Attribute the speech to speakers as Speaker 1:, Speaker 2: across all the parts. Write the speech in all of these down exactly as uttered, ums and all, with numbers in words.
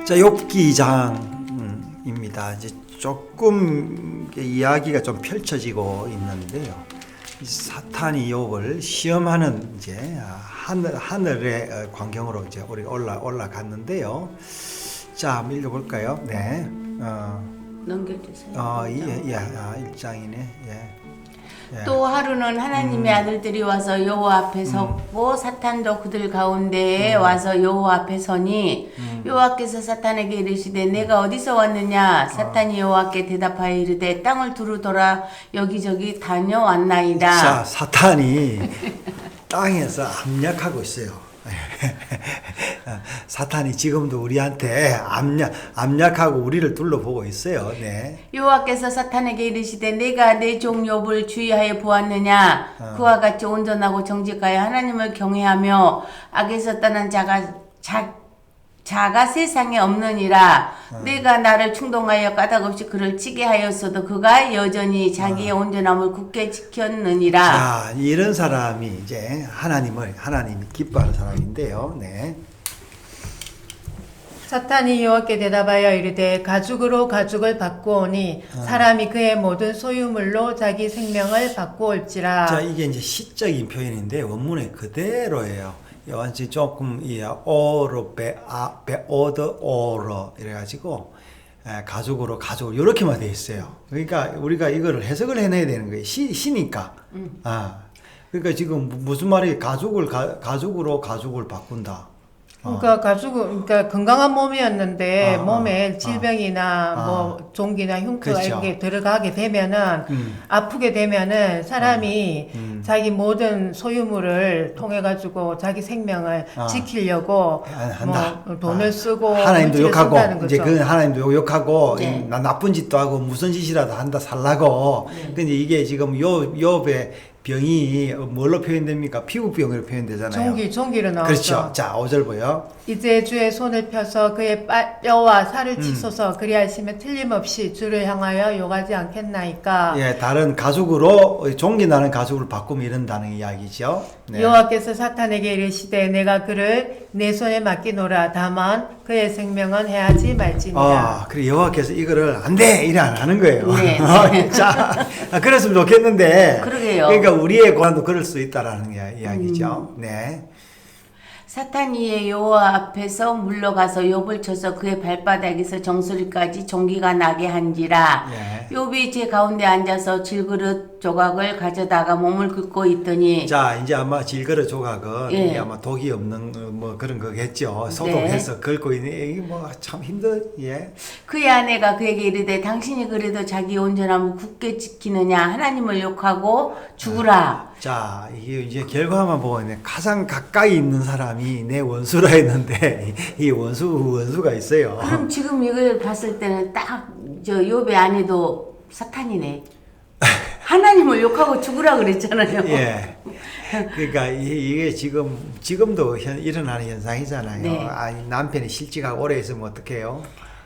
Speaker 1: 자, 욥기 장입니다. 이제 조금 이야기가 좀 펼쳐지고 있는데요. 사탄이 욥을 시험하는 이제 하늘 하늘의 광경으로 이제 우리 올라 올라갔는데요. 자, 한번 읽어볼까요? 네. 어,
Speaker 2: 넘겨주세요.
Speaker 1: 어, 예, 예, 아, 일 장이네. 예. 예.
Speaker 2: 또 하루는 하나님의
Speaker 1: 음.
Speaker 2: 아들들이 와서 여호와 앞에 섰고 음. 사탄도 그들 가운데에 음. 와서 여호와 앞에 서니 음. 여호와께서 사탄에게 이르시되 내가 어디서 왔느냐? 사탄이 여호와께 대답하여 이르되 땅을 두루 돌아 여기저기 다녀왔나이다.
Speaker 1: 자, 사탄이 땅에서 압력하고 있어요. 사탄이 지금도 우리한테 압력, 압력하고 우리를 둘러보고 있어요. 네.
Speaker 2: 여호와께서 사탄에게 이르시되 내가 내 종 욥을 주의하여 보았느냐? 어. 그와 같이 온전하고 정직하여 하나님을 경외하며 악에서 떠난 자가 자, 자가 세상에 없느니라. 어. 내가 나를 충동하여 까닭없이 그를 치게 하였어도 그가 여전히 자기의 어. 온전함을 굳게 지켰느니라.
Speaker 1: 자, 이런 사람이 이제 하나님을 하나님이 기뻐하는 사람인데요. 네.
Speaker 3: 사탄이 여호와께 대답하여 이르되 가죽으로 가죽을 바꾸오니 어. 사람이 그의 모든 소유물로 자기 생명을 바꾸올지라.
Speaker 1: 자, 이게 이제 시적인 표현인데 원문에 그대로예요. 완전 조금 이 오로 베아 베오더 오로 이래가지고 에, 가죽으로 가죽 이렇게만 돼 있어요. 그러니까 우리가 이거를 해석을 해내야 되는 거예요. 시 시니까. 음. 아, 그러니까 지금 무슨 말이 가죽을 가, 가죽으로 가죽을 바꾼다.
Speaker 3: 그러니까 어. 가죽, 그러니까 건강한 몸이었는데
Speaker 1: 어,
Speaker 3: 몸에 질병이나
Speaker 1: 어.
Speaker 3: 뭐 종기나 흉터가
Speaker 1: 그렇죠.
Speaker 3: 이렇게 들어가게 되면은
Speaker 1: 음.
Speaker 3: 아프게 되면은 사람이
Speaker 1: 어. 음.
Speaker 3: 자기 모든 소유물을 통해 가지고 자기 생명을
Speaker 1: 어.
Speaker 3: 지키려고
Speaker 1: 한다.
Speaker 3: 뭐 돈을
Speaker 1: 아.
Speaker 3: 쓰고
Speaker 1: 하나님도 욕하고 이제
Speaker 3: 거죠.
Speaker 1: 그 하나님도 욕하고
Speaker 2: 네.
Speaker 1: 나 나쁜 짓도 하고 무슨 짓이라도 한다 살라고.
Speaker 2: 네.
Speaker 1: 근데 이게 지금 요 욥의 병이 뭘로 표현됩니까? 피부병으로 표현되잖아요.
Speaker 3: 종기, 종기로 나왔죠.
Speaker 1: 그렇죠. 자, 오 절 보여.
Speaker 3: 이제 주의 손을 펴서 그의 빠, 뼈와 살을
Speaker 1: 음.
Speaker 3: 치소서 그리하시면 틀림없이 주를 향하여 욕하지 않겠나이까.
Speaker 1: 예, 다른 가죽으로 종기 나는 가죽으로 바꾸면 이런다는 이야기죠. 네.
Speaker 3: 여호와께서 사탄에게 이르시되 내가 그를 내 손에 맡기노라. 다만 그의 생명은 해하지 말지니라.
Speaker 1: 아, 그래 여호와께서 이거를 안 돼! 이래 안 하는 거예요.
Speaker 2: 네.
Speaker 1: 자, 아, 그랬으면 좋겠는데.
Speaker 2: 그러게요.
Speaker 1: 그러니까 우리의 고난도 그럴 수 있다라는 이야기죠.
Speaker 2: 음.
Speaker 1: 네.
Speaker 2: 사탄이 여호와 앞에서 물러가서 욥을 쳐서 그의 발바닥에서 정수리까지 종기가 나게 한지라.
Speaker 1: 예.
Speaker 2: 욥이 제 가운데 앉아서 질그릇 조각을 가져다가 몸을 긁고 있더니.
Speaker 1: 자, 이제 아마 질그릇 조각은
Speaker 2: 예.
Speaker 1: 이게 아마 독이 없는 뭐 그런 거겠죠. 소독해서
Speaker 2: 네.
Speaker 1: 긁고 있는 이게 뭐 참 힘들. 예.
Speaker 2: 그의 아내가 그에게 이르되 당신이 그래도 자기 온전함을 굳게 지키느냐? 하나님을 욕하고 죽으라.
Speaker 1: 자, 이게 이제 결과만 보면 가장 가까이 있는 사람이 내 원수라 했는데 이 원수 원수가 있어요.
Speaker 2: 그럼 지금 이걸 봤을 때는 딱 저 욥의 아내도 사탄이네. 하나님을 욕하고 죽으라 그랬잖아요.
Speaker 1: 예. 그러니까 이- 이게 지금 지금도 현, 일어나는 현상이잖아요.
Speaker 2: 네.
Speaker 1: 아니, 남편이 실직하고 오래 있으면 어떡해요?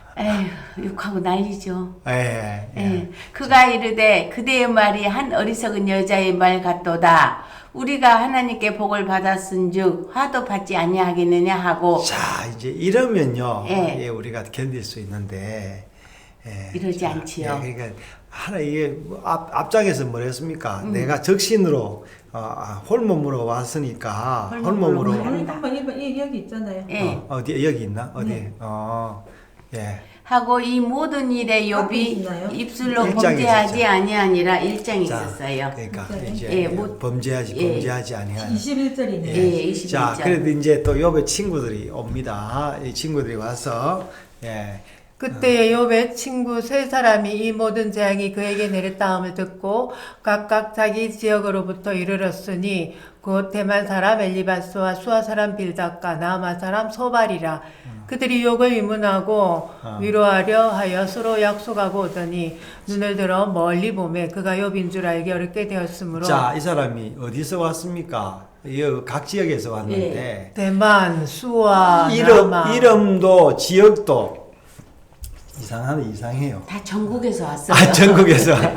Speaker 2: 에휴, 욕하고 난리죠.
Speaker 1: 예. 예.
Speaker 2: 예. 그가 이르되 그대의 말이 한 어리석은 여자의 말 같도다. 우리가 하나님께 복을 받았은즉 화도 받지 아니하겠느냐 하고.
Speaker 1: 자, 이제 이러면요.
Speaker 2: 예.
Speaker 1: 예, 우리가 견딜 수 있는데 예.
Speaker 2: 이러지
Speaker 1: 자,
Speaker 2: 않지요.
Speaker 1: 예, 그러니까 하나 이게 뭐 앞 앞장에서 뭐랬습니까?
Speaker 2: 음.
Speaker 1: 내가 적신으로 어, 아, 홀몸으로 왔으니까
Speaker 2: 홀몸으로
Speaker 1: 홀몸으로
Speaker 2: 홀몸으로.
Speaker 4: 한번 여기 여기 있잖아요.
Speaker 2: 예.
Speaker 1: 어, 어디 여기 있나? 어디?
Speaker 4: 네.
Speaker 1: 어. 예.
Speaker 2: 하고 이 모든 일에
Speaker 4: 앞에
Speaker 2: 욥이
Speaker 4: 있나요?
Speaker 2: 입술로
Speaker 1: 일장이
Speaker 2: 범죄하지
Speaker 1: 있었죠.
Speaker 2: 아니하니라 일장이
Speaker 1: 자,
Speaker 2: 있었어요.
Speaker 1: 그러니까
Speaker 4: 네.
Speaker 1: 이제
Speaker 2: 예, 뭐-
Speaker 1: 범죄하지
Speaker 2: 예.
Speaker 1: 범죄하지 아니하는.
Speaker 4: 이십일 절이네요.
Speaker 2: 예, 이십일 장.
Speaker 1: 자, 그래도 이제 또 욥의 친구들이 옵니다. 이 친구들이 와서 예.
Speaker 3: 그때의 욥의 친구 세 사람이 이 모든 재앙이 그에게 내렸다함을 듣고 각각 자기 지역으로부터 이르렀으니 곧 대만 사람 엘리바스와 수아 사람 빌닷과 나아마 사람 소발이라. 그들이 욥을 위문하고
Speaker 1: 어.
Speaker 3: 위로하려 하여 서로 약속하고 오더니 눈을 들어 멀리 보매 그가 욥인 줄 알기 어렵게 되었으므로.
Speaker 1: 자, 이 사람이 어디서 왔습니까? 이 각 지역에서
Speaker 2: 예.
Speaker 1: 왔는데
Speaker 3: 대만, 수아,
Speaker 1: 이름
Speaker 3: 나아마.
Speaker 1: 이름도 지역도 이상하네 이상해요.
Speaker 2: 다 전국에서 왔어요.
Speaker 1: 아, 전국에서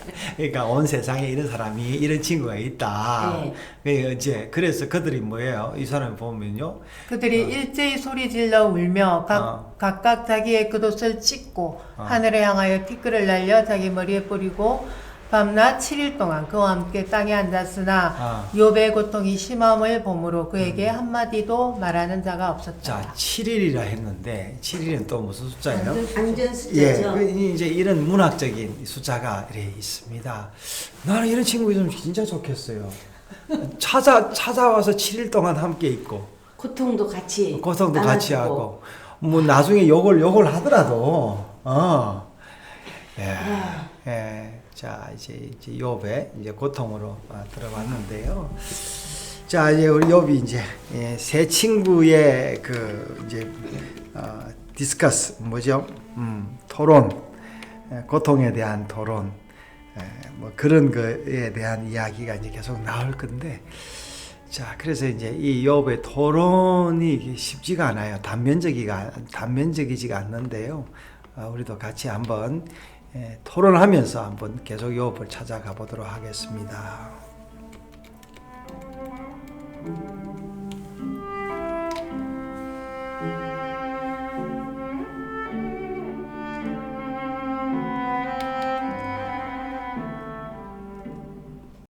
Speaker 1: 그러니까 온 세상에 이런 사람이 이런 친구가 있다.
Speaker 2: 네.
Speaker 1: 그러니까 이제 그래서 그들이 뭐예요? 이 사람 보면요.
Speaker 3: 그들이 일제히 소리질러 울며 각,
Speaker 1: 어.
Speaker 3: 각각 자기의 겉옷을 찢고
Speaker 1: 어.
Speaker 3: 하늘에 향하여 티끌을 날려 자기 머리에 뿌리고 밤낮 칠 일 동안 그와 함께 땅에 앉았으나
Speaker 1: 아.
Speaker 3: 욥의 고통이 심함을 보므로 그에게 한마디도 말하는 자가 없었다.
Speaker 1: 자, 칠 일이라 했는데 칠 일은 또 무슨 숫자예요?
Speaker 2: 안전
Speaker 1: 예,
Speaker 2: 숫자죠.
Speaker 1: 그 이제 이런 문학적인 숫자가 이렇게 있습니다. 나는 이런 친구 있으면 진짜 좋겠어요. 찾아 찾아와서 칠 일 동안 함께 있고
Speaker 2: 고통도 같이
Speaker 1: 고통도 같이
Speaker 2: 나눠주고.
Speaker 1: 하고 뭐 나중에 욕을 욕을 하더라도 어. 예. 예. 자, 이제 이제 욥의 이제 고통으로 아, 들어봤는데요. 자, 이제 우리 욥이 이제 예, 세 친구의 그 이제 어, 디스커스 뭐죠? 음, 토론, 예, 고통에 대한 토론, 예, 뭐 그런 거에 대한 이야기가 이제 계속 나올 건데, 자, 그래서 이제 이 욥의 토론이 이게 쉽지가 않아요. 단면적이가 단면적이지가 않는데요. 어, 우리도 같이 한번 예, 토론하면서 한번 계속 욥을 찾아가 보도록 하겠습니다.